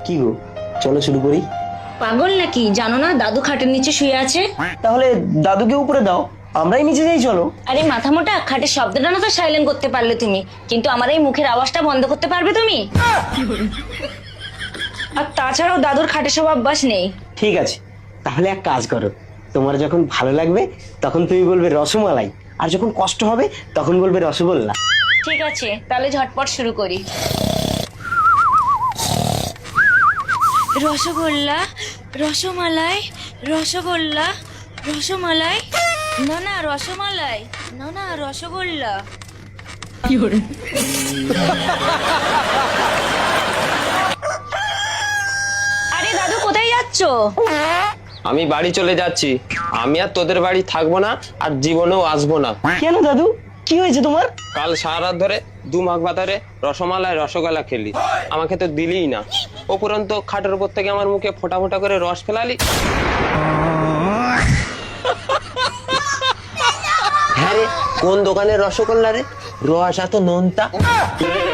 কি গো, চলো শুরু করি। পাগল নাকি? জানো না দাদু খাটের নিচে শুয়ে আছে? তাহলে দাদুকে উপরে দাও, আমরাই নিচে যাই, চলো। আরে মাথা মোটা, খাটের শব্দটা না তো সাইলেন্ট করতে পারলে তুমি, কিন্তু আমার এই মুখের আওয়াজটা বন্ধ করতে পারবে তুমি? আর তাছাড়াও দাদুর খাটে সব অভ্যাস নেই। ঠিক আছে, তাহলে এক কাজ করো, তোমার যখন ভালো লাগবে তখন তুমি বলবে রসমালাই, আর যখন কষ্ট হবে তখন বলবে রসগোল্লা। ঠিক আছে, তাহলে ঝটপট শুরু করি। রসগোল্লা, রসমালাই, রসগোল্লা, রসমালাই, না না রসমালাই, না না রসগোল্লা। আরে দাদু কোথায় যাচ্ছো? আমি বাড়ি চলে যাচ্ছি। আমি আর তোদের বাড়ি থাকবো না, আর জীবনেও আসবো না। কেন দাদু, কি হয়েছে তোমার? কাল সারা রাত ধরে 2 মাঘ বাতারে রসমালাই রসগোল্লা খেলি, আমাকে তো দিলিই না। উপরন্ত খাটের উপর থেকে আমার মুখে ফোঁটা ফোঁটা করে রস ফেলালি। হ্যাঁ রে, কোন দোকানের রসগোল্লা রে? রস এত নোনতা।